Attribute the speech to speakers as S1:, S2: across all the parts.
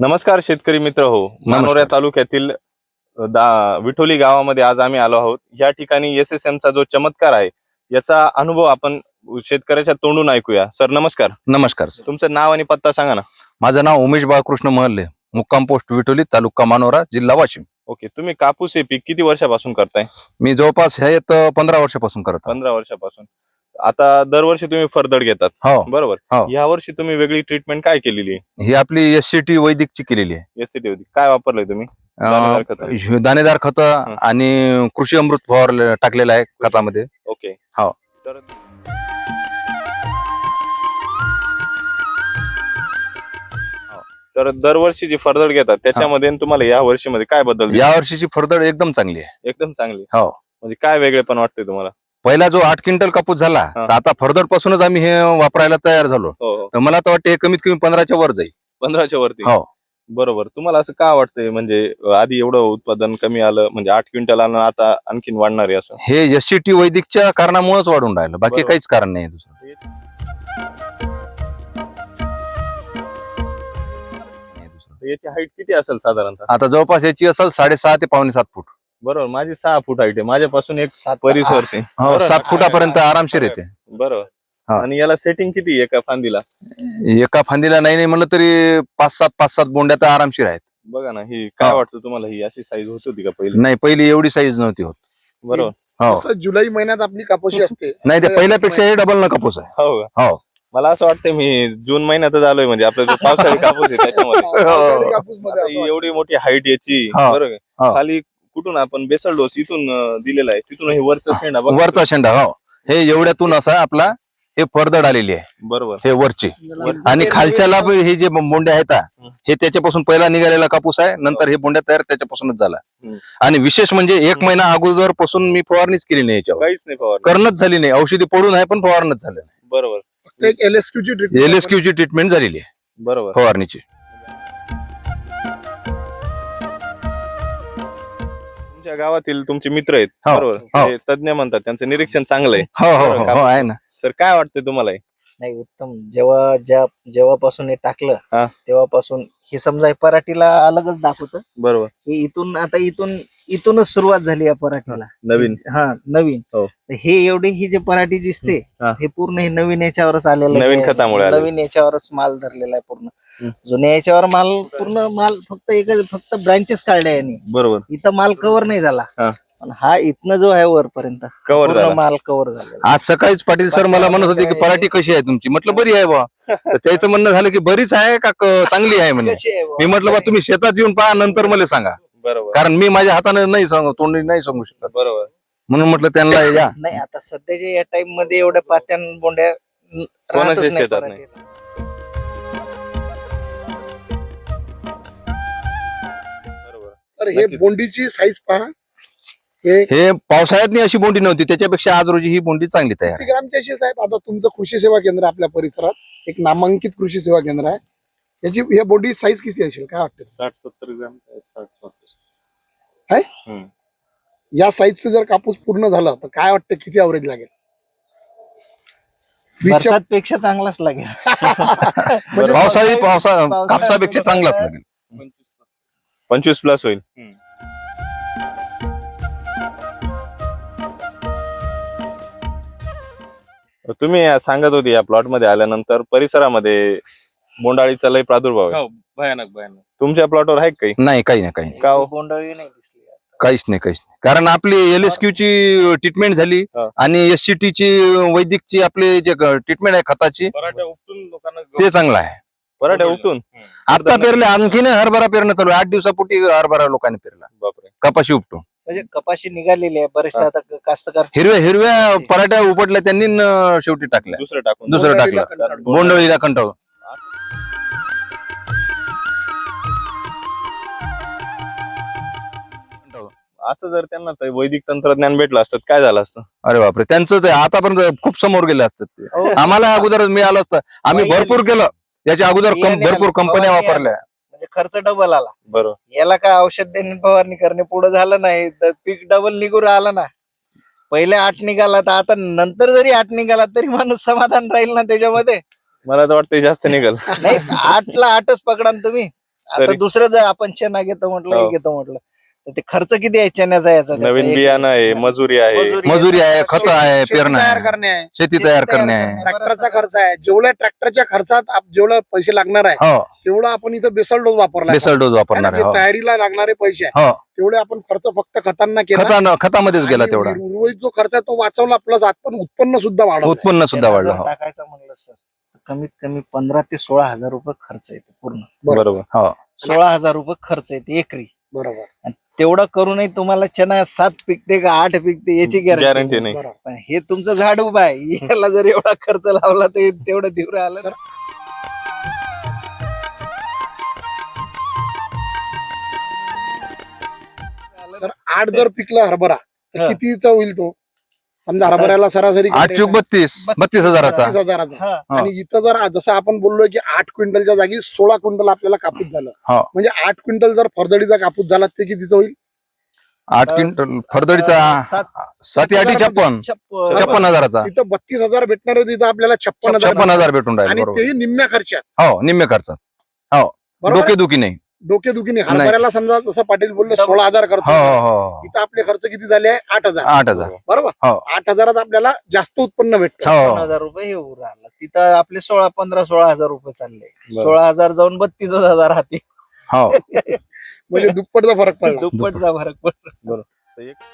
S1: नमस्कार शेतकरी मित्र हो. मानोरा तालुक्यातील विठोली गावामध्ये आज आम्ही आलो आहोत. या ठिकाणी SSM चा जो चमत्कार आहे याचा अनुभव आपण शेतकऱ्याच्या तोंडून ऐकूया. सर नमस्कार.
S2: नमस्कार.
S1: तुमचं नाव आणि पत्ता सांगा ना.
S2: माझं नाव उमेश बाळकृष्ण महल्ले, मुक्काम पोस्ट विठोली, तालुका मानोरा, जिल्हा वाशिम.
S1: ओके, तुम्ही कापूस हे पीक किती वर्षापासून करताय?
S2: मी जवळपास हे 15 वर्षापासून करत आहे.
S1: 15 वर्षापासून. आता दरवर्षी तुम्ही फरदड घेतात
S2: हो
S1: बरोबर.
S2: हो.
S1: या वर्षी तुम्ही वेगळी ट्रीटमेंट काय केलेली आहे?
S2: ही आपली SCT वैदिकची केलेली आहे.
S1: SCT होती. काय वापरलंय तुम्ही? दाणेदार खतं.
S2: दाणेदार खत आणि कृषी अमृत फवार टाकलेलं आहे खतामध्ये.
S1: ओके
S2: हो.
S1: तर दरवर्षी जी फरदड घेतात त्याच्यामध्ये तुम्हाला या वर्षीमध्ये काय बदल?
S2: या वर्षीची फरदड एकदम चांगली आहे.
S1: एकदम चांगली.
S2: हो.
S1: म्हणजे काय वेगळेपण वाटते तुम्हाला?
S2: पहिला जो 8 क्विंटल कापूस झाला तर आता फरदड पासूनच आम्ही हे वापरायला तयार झालो.
S1: हो.
S2: तर मला तर वाटतं हे कमीत कमी 15च्या वर जाईल.
S1: 15च्या वरती.
S2: हो
S1: बरोबर. तुम्हाला असं का वाटतंय म्हणजे आधी एवढं उत्पादन कमी आलं म्हणजे 8 क्विंटल आलं आता आणखीन वाढणार आहे असं?
S2: हे SCT वैदिकच्या कारणामुळेच वाढून राहिलं, बाकी
S1: बरोबर.
S2: काहीच कारण नाही दुसरं.
S1: याची हाईट किती असेल साधारणतः?
S2: आता जवळपास याची असेल 6.5 ते 6.25 फूट.
S1: बरोबर. माझी 6 फूट हाईट आहे. माझ्यापासून एक परिसरते.
S2: हो, 7 फुटापर्यंत आरामशीर येते.
S1: बरोबर.
S2: हा.
S1: आणि याला सेटिंग किती एका फांदीला?
S2: एका फांदीला नाही म्हणलं तरी 5-7 बोंड्या तर आरामशीर आहेत.
S1: बघा ना, ही काय वाटतं तुम्हाला, ही अशी साईज होत होती का पहिली?
S2: नाही, पहिली एवढी साईज नव्हती होत.
S1: बरोबर.
S2: हो.
S3: जुलै महिन्यात आपली कापूसी असते.
S2: नाही, ते पहिल्यापेक्षा हे डबल न कापूस आहे.
S1: हो का?
S2: हो.
S1: मला असं वाटतं मी जून महिन्यातच आलोय म्हणजे आपला जो पावसाळी कापूस आहे त्याच्यामध्ये.
S3: पावसाळी कापूसमध्ये
S1: आता
S3: असं
S1: ही एवढी मोठी हाईट याची.
S2: हो.
S1: बरोबर.
S2: हो.
S1: खाली कुठून आपण बेसल डोस इथून दिलेला आहे, तिथून हे वरचं शेंडा बघा.
S2: वरचा शेंडा. हो, हे एवढ्यातून असा आपला हे फरदड आलेली आहे.
S1: बरोबर.
S2: हे वरचे आणि खालच्याला हे जे बोंड्या आहेत हे त्याच्यापासून पहिला निघालेला कापूस आहे. नंतर हे बोंड्या तयार त्याच्यापासूनच झाला. आणि विशेष म्हणजे 1 महिना अगोदर पासून मी फवारणीच केली नाही, याच्यावर
S1: काहीच नाही फवारणी.
S2: करणंच झाली नाही. औषधी पडून आहे पण फवारणच झालं नाही.
S1: बरोबर.
S3: एक LSQची ट्रीटमेंट.
S2: LSQची ट्रीटमेंट झालेली आहे
S1: बरोबर.
S2: फवारणीची.
S1: तुमच्या गावातील तुमचे मित्र आहेत
S2: हो.
S1: बरोबर,
S2: हो.
S1: ते तज्ञ म्हणतात त्यांचं निरीक्षण चांगलं आहे.
S2: हो हो हो हो, आहे ना.
S1: तर काय वाटतं तुम्हाला हे?
S4: नाही, उत्तम. जेव्हापासून हे टाकलं
S1: हा.
S4: तेव्हापासून हे समजा हे पराठीला अलगच दाखवत.
S1: बरोबर.
S4: हे इथूनच सुरुवात झाली या पराठीला.
S1: नवीन.
S4: हा, नवीन.
S1: हो.
S4: तर हे एवढी ही जे पराठी दिसते
S1: हा.
S4: हे पूर्ण हे नवीन याच्यावरच आलेलं आहे.
S1: नवीन खतामुळे आलेलं.
S4: नवीन याच्यावरच माल धरलेला आहे पूर्ण. जुन्या याच्यावर माल फक्त ब्रांचेस काढल्या यांनी.
S1: बरोबर.
S4: इथं माल कव्हर नाही झाला.
S1: हा.
S4: पण हा इथनं जो आहे वरपर्यंत
S1: Cover
S4: पूर्ण
S1: झाला.
S4: माल कव्हर झालेला.
S2: आज सकाळीच पाटील सर मला म्हणत होते की पराठी कशी आहे तुमची. म्हटलं बरी आहे बा. तर त्याचं म्हणणं झालं की बरीच आहे का चांगली आहे म्हणे.
S4: कशी आहे बुवा?
S2: मी म्हटलं बा तुम्ही शेतात येऊन पहा नंतर मला सांगा,
S1: बरोबर.
S2: कारण मी माझ्या हाताने नाही तोंडी नाही सांगू शकत.
S1: बरोबर.
S2: म्हणून म्हटलं त्यांना या.
S4: नाही, आता सध्याच्या या टाइम मध्ये एवढ्या पात्यान बोंड्या राहतच नाही
S1: शेतात
S4: पराठीला.
S1: बरोबर.
S3: तर हे बोंडीची साईज पहा. हे
S2: हे पावसाळ्यात अशी बोंडी नव्हती, त्याच्यापेक्षा आज रोजी ही बोंडी चांगली तयार
S3: किती
S2: आहे.
S3: ग्रामची अशी साहेब? आता तुमचं कृषी सेवा केंद्र आपल्या परिसरात एक नामांकित कृषी सेवा केंद्र आहे. याची या बोंडी साईज किती असेल काय वाटतं?
S1: 60-70 ग्राम. 60-65.
S3: आहे या साईजचं जर कापूस पूर्ण झालं तर काय वाटतं किती ॲव्हरेज लागेल?
S4: बरसात पेक्षा चांगलाच लागेल.
S3: म्हणजे
S2: पावसाळी कापसापेक्षा चांगलाच लागेल.
S1: 25 प्लस होईल. तुम्ही सांगत होते या प्लॉट मध्ये आल्यानंतर परिसरामध्ये बोंडाळीचा लय प्रादुर्भाव आहे.
S5: भयानक.
S1: तुमच्या प्लॉटवर आहे का काही?
S2: नाही, काही नाही.
S1: का हो?
S4: बोंडळी नाही दिसली.
S2: काहीच नाही. कारण आपली LSQची ट्रीटमेंट झाली
S1: हा.
S2: आणि SCTची वैदिकची आपली जे ट्रीटमेंट आहे खताची
S5: पराठ्या उपटून लोकांना
S2: ते चांगलं आहे.
S1: पराठ्या उठून.
S2: आता पेरले, आणखीन हरभरा पेरणं चालू आहे. 8 दिवसापूर्वी हरभरा लोकांनी पेरला,
S1: बापरे.
S2: कपाशी उपटून.
S4: म्हणजे कपाशी निघालेली आहे बरेचसे. आता कास्तकार
S2: हिरव्या पराठ्या उपटल्या त्यांनी शेवटी टाकल्या,
S1: दुसरं टाकून.
S2: दुसरं टाकलं, बोंडळीला कंटाळून.
S1: असं जर त्यांना ते वैदिक तंत्रज्ञान भेटलं असतं काय झालं असतं?
S2: अरे बापरे, त्यांचं ते आतापर्यंत खूप समोर गेले असतात ते.
S4: हो.
S2: आम्हाला अगोदर मिळालं असतं. आम्ही भरपूर केलं याच्या अगोदर, भरपूर कंपन्या वापरल्या.
S4: म्हणजे खर्च डबल आला.
S1: बरोबर.
S4: याला काय औषध देणे फवारणी करणे पुढे झालं नाही तर पीक डबल निघून राहिलं ना. पहिले 8 निघाला तर आता नंतर जरी 8 निघाला तरी माणूस समाधान राहील ना त्याच्यामध्ये.
S1: मला तर वाटतं जास्त निघल.
S4: नाही, 8ला 8च पकडा ना तुम्ही. आता
S1: तरी-
S4: दुसरं जर आपण चना घेतो म्हटलं हे
S1: हो.
S4: घेतो म्हटलं तर ते खर्च किती आहे चण्याचा याचा त्याचा?
S1: नवीन
S4: एक-
S1: बियाणं आहे, मजुरी आहे.
S2: मजुरी आहे, खत आहे,
S3: शेती
S2: पेरणं
S3: तयार
S2: आहे,
S3: करणे आहे,
S2: शेती तयार करणे आहे.
S3: ट्रॅक्टरचा खर्च आहे. जेवढ्या ट्रॅक्टरच्या खर्चात जेवढे पैसे लागणार आहे
S2: हो
S3: तेवढं आपण इथं बेसल डोस वापरला
S2: बेसल डोस वापरणार आहे.
S3: जे तयारीला लागणारे पैसे आहे
S2: हो
S3: तेवढे आपण खर्च फक्त खतांना केला.
S2: खतामध्येच गेला
S3: आणि
S2: तेवढा
S3: उर्वरित जो खर्च आहे तो वाचवला, प्लस आपण उत्पन्न सुद्धा वाढवलं.
S2: उत्पन्न सुद्धा
S4: चना
S2: वाढलं.
S4: जर
S2: हो
S4: टाकायचं म्हणलं सर तर कमीत कमी 15 ते 16 हजार रुपये खर्च येतो पूर्ण.
S1: बरोबर.
S2: हो
S4: 16 हजार रुपये खर्च येते एकरी.
S3: बरोबर
S4: आणि तेवढं करूनही तुम्हाला चना 7 पिकते का 8 पिकते याची
S1: गॅरंटी
S4: गॅरंटी
S1: नाही.
S3: बरोबर.
S4: पण हे तुमचं झाड उभं आहे, याला जर एवढा खर्च लावला तर तेवढं तीव्र आलं ना.
S3: तर 8 जर पिकला हरभरा तर
S4: हा.
S3: कितीचा होईल तो? समजा हरभऱ्याला सरासरी
S2: 8 चूक 32 हजाराचा.
S3: 32,000.
S4: हा.
S3: आणि इथं जर जसं आपण बोललोय की 8 क्विंटलच्या जागी 16 क्विंटल आपल्याला कापूस झालं,
S2: हो.
S3: म्हणजे 8 क्विंटल जर फरदडीचा कापूस झाला ते कितीचा होईल?
S2: 8 क्विंटल फरदडीचा 7 8 56 56 हजाराचा.
S3: तिथं 32,000 भेटणार होते, तिथं आपल्याला 56,000
S2: 56 हजार भेटून राहिले.
S3: आणि
S2: बरोबर.
S3: तेही निम्म्या खर्चात.
S2: हो निम्मे खर्चात. हो
S3: बरोबर आहे?
S2: डोकेदुखी नाही.
S3: डोकेदुखीने हरभऱ्याला समजा जसं पाटील बोलले 16,000 खर्च
S2: हो
S3: होता.
S2: हो हो
S3: इथं आपले खर्च किती झाले आहे? 8,000.
S2: 8,000.
S3: बरोबर.
S2: हो
S3: 8,000 आपल्याला जास्त उत्पन्न भेटतं.
S2: हो
S4: 56,000 रुपये हे उरलं आलं. तिथं आपले 16 रुपये चालले.
S1: बरोबर.
S4: 16,000 जाऊन 32,000 हाती.
S2: हो
S3: म्हणजे दुप्पटचा फरक पडला.
S4: दुप्पटचा फरक पडला.
S1: तर एक-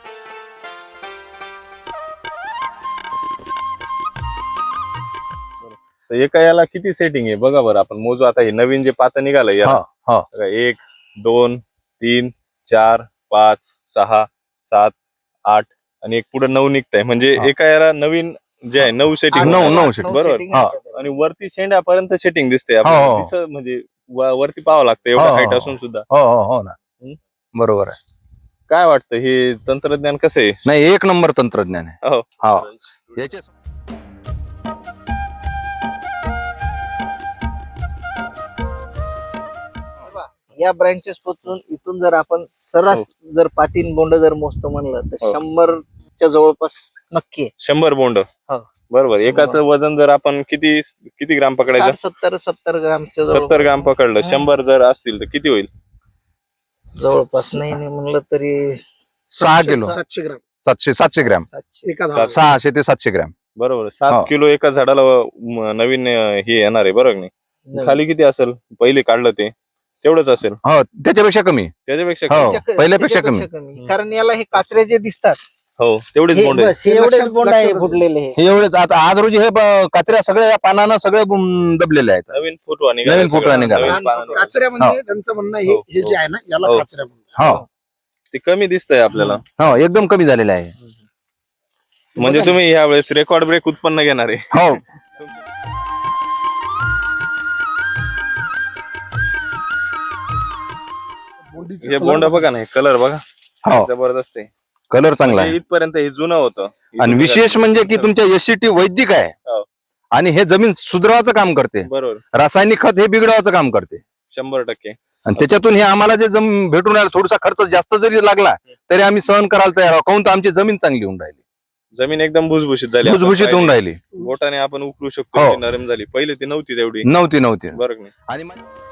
S1: तर एका याला किती सेटिंग आहे बघा बरं, आपण मोजू आता. हे नवीन जे पातं निघालंय याला.
S2: हो.
S1: बघा, 1 2 3 4 5 6 7 8 आणि एक पुढे 9 निघताय. म्हणजे
S2: हा.
S1: एका याला नवीन जे आहे 9 सेटिंग.
S2: नऊ-
S4: आठ-
S2: नऊ
S4: आठ-
S2: setting.
S1: बरोबर.
S4: setting आहे
S2: हा.
S4: त्याच्यात.
S1: आणि वरती शेंड्यापर्यंत सेटिंग दिसते
S2: हो,
S1: आपल्याला.
S2: हो.
S1: दिसत म्हणजे वरती पाहावं लागतं एवढं
S2: हो,
S1: हाईट
S2: हो.
S1: असून सुद्धा.
S2: हो हो हो ना
S1: हम्म.
S2: बरोबर आहे.
S1: काय वाटतं हे तंत्रज्ञान कसं आहे?
S2: नाही एक नंबर तंत्रज्ञान आहे.
S1: हो.
S2: हो याच्या
S4: या ब्रँचेस पासून इथून जर आपण सरास जर पाटील बोंड जर मोजतो म्हणलं तर
S1: हो.
S4: 100च्या जवळपास नक्की आहे.
S1: 100 बोंड.
S4: हो.
S1: बरोबर. एकाचं वजन जर आपण किती ग्राम पकडायचं?
S4: 60-70 ग्रामच्या
S1: 70 ग्राम पकडलं. 100 जर असतील तर किती होईल?
S4: जवळपास नाही म्हणलं तरी
S2: 6 किलो
S3: 700 ग्राम
S2: 700 ग्राम
S4: 700.
S3: एका झाडाला.
S2: 600 ते 700 ग्राम.
S1: बरोबर. 7
S2: हो.
S1: किलो एका झाडाला नवीन हे येणार आहे बरोबर नाही? खाली किती असेल? पहिले काढलं ते तेवढंच असेल,
S2: हो त्याच्यापेक्षा कमी.
S1: त्याच्यापेक्षा
S2: हो.
S1: कमी.
S2: पहिल्यापेक्षा
S4: कमी. कारण याला हे काचरे जे दिसतात
S1: हो तेवढेच
S4: हे
S1: बोंड आहे.
S4: बस, हे एवढेच
S3: लक्षात-
S4: बोंड आहे
S3: लक्षात-
S4: फुटलेले हे.
S2: हे एवढेच. आता आज रोजी हे कात्र्या सगळ्या पानानं सगळे दबलेले आहेत.
S1: नवीन फुटवा निघाला.
S2: नवीन फुटवा निघाला.
S1: नवीन पानं निघाली.
S3: काचऱ्या म्हणजे त्यांचं म्हणणं आहे,
S1: हो,
S3: हे जे आहे ना याला
S1: हो.
S3: काचऱ्या म्हणतात.
S2: हो
S1: ते कमी दिसतंय आपल्याला.
S2: हो एकदम कमी झालेलं आहे.
S1: म्हणजे तुम्ही यावेळेस रेकॉर्ड ब्रेक उत्पन्न घेणार आहे.
S2: हो
S3: बोंडीचे
S1: हे
S3: कलर
S1: बोंड बघा ना, कलर बघा
S2: हो
S1: जबरदस्त आहे.
S2: कलर चांगला आहे.
S1: म्हणजे इथपर्यंत हे जुनं होतं.
S2: आणि विशेष म्हणजे की तुमच्या एससीटी वैदिक आहे
S1: हो.
S2: आणि हे जमीन सुधाराचं काम करते.
S1: बरोबर.
S2: रासायनिक खत हे बिघडवाचं काम करते.
S1: 100%.
S2: आणि त्याच्यातून हे आम्हाला जे भेटून राहिलं, थोडासा खर्च जास्त जरी लागला तरी आम्ही सहन करायला तयार आहोत. काहून तर आमची जमीन चांगली होऊन राहिली,
S1: जमीन एकदम भुसभुशीत झाली. आपण
S2: भुसभुशीत होऊन
S1: पाहिली.
S2: राहिली.
S1: बोटाने आपण उकळू शकतो.
S2: हो.
S1: ती नरम झाली. पहिले ती नव्हती तेवढी.
S2: नव्हती
S1: बरोबर नाही?
S2: आणि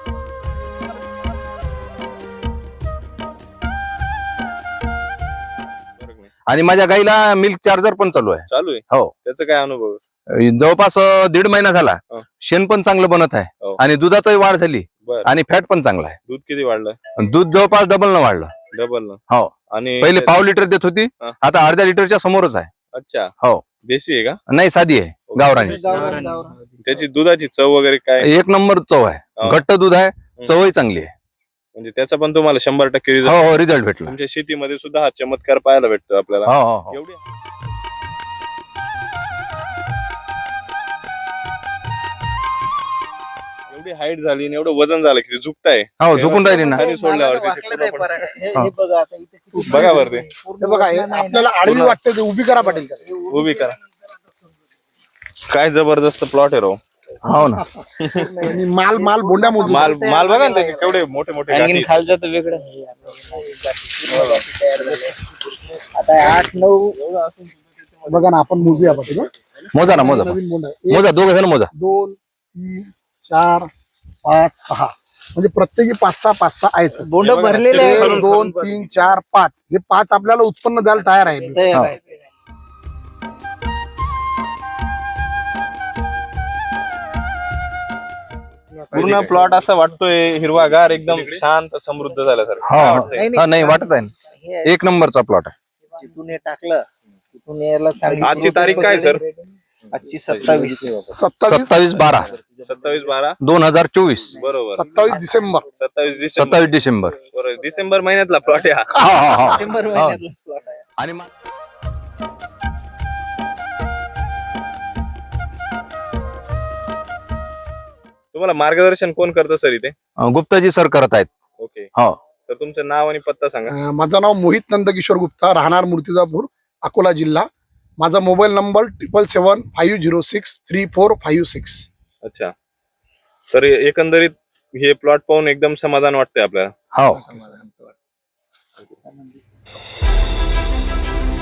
S1: बरोबर नाही?
S2: आणि माझ्या गाईला मिल्क चार्जर पण चालू आहे.
S1: चालू आहे.
S2: हो.
S1: त्याचा काय अनुभव?
S2: जवळपास 1.5 महिना झाला.
S1: हो.
S2: शेण पण चांगलं बनत आहे
S1: हो.
S2: आणि दुधातही वाढ झाली
S1: बर.
S2: आणि फॅट पण चांगला आहे.
S1: दूध किती वाढलं?
S2: आणि दूध जवळपास डबल न वाढलं.
S1: डबल ना?
S2: हो.
S1: आणि
S2: पहिले पाव लिटर देत होती,
S1: हा.
S2: आता अर्ध्या लिटरच्या समोरच आहे.
S1: अच्छा.
S2: हो.
S1: देशी आहे का?
S2: नाही साधी आहे, गावरानी.
S1: त्याची दुधाची चव वगैरे काय?
S2: एक नंबर चव आहे,
S1: हो.
S2: घट्ट दूध आहे, चवही चांगली आहे.
S1: म्हणजे त्याचा पण तुम्हाला 100% रिझल्ट.
S2: हो हो रिझल्ट भेटला.
S1: तुमच्या शेतीमध्ये सुद्धा हा चमत्कार पाहायला भेटतो आपल्याला.
S2: हो हो हो.
S1: एवढी एवढी हाईट झाली आणि एवढं वजन झालं की ते झुकताय.
S2: हो झुकून राहिली ना.
S1: खाली सोडल्यावर त्याचे
S4: वाकलं नाही
S1: पूर्ण
S4: पराठा. हे
S2: हा.
S4: बघा आता इथे किती
S1: बघा बरं ते.
S3: हे बघा हे आपल्याला आडवी वाटते ते उभी करा पाटील त्याला.
S1: उभी करा. काय जबरदस्त प्लॉट आहे राव.
S2: हो ना.
S3: आणि माल माल बोंड्या मोजून
S1: माल माल बघा ना त्याचे केवढे मोठे मोठे गाठी आहेत.
S4: खालचं तर वेगळं आता 8-9
S3: बघा ना, आपण मोजूया पाटील.
S2: मोजा ना मोजा.
S3: नवीन बोंड आहे.
S2: मोजा दोघ जण मोजा.
S3: 2 3 4 5 6 म्हणजे प्रत्येकी 5-6 आहेत.
S4: बोंड भरलेले
S3: एक,
S4: आहे.
S3: 2, 3, 4, 5 हे 5 आपल्याला उत्पन्न द्यायला तयार आहे.
S4: तयार आहे.
S1: पूर्ण प्लॉट असं वाटतोय हिरवागार एकदम शांत समृद्ध झाल्यासारखं.
S2: हा,
S1: काय
S2: हा.
S1: वाटतंय?
S2: हा, नाही वाटत आहे ना.
S4: हे आहे.
S2: एक नंबरचा प्लॉट आहे.
S4: जिथून हे टाकलं तिथून यायला चांगली
S1: आजची तारीख काय सर?
S4: आजची 27.
S2: 27/12
S1: 27/12/2024 बरोबर.
S3: 27 डिसेंबर
S1: 27 डिसेंबर बरोबर. डिसेंबर महिन्यातला प्लॉट आहे हा.
S4: डिसेंबर महिन्यातला plot आहे.
S2: आणि
S1: तुम्हाला मार्गदर्शन कोण करतं सर इथे?
S2: गुप्ताजी सर करत आहेत.
S1: ओके
S2: हो.
S1: तर तुमचं नाव आणि पत्ता सांगा.
S3: माझं नाव मोहित नंदकिशोर गुप्ता, राहणार मूर्तिजापूर, अकोला जिल्हा. माझा मोबाईल नंबर 777-506-3456.
S1: अच्छा. तर एकंदरीत हे प्लॉट पाहून एकदम समाधान वाटतंय आपल्याला.
S2: हो.
S4: समाधान वाटतं.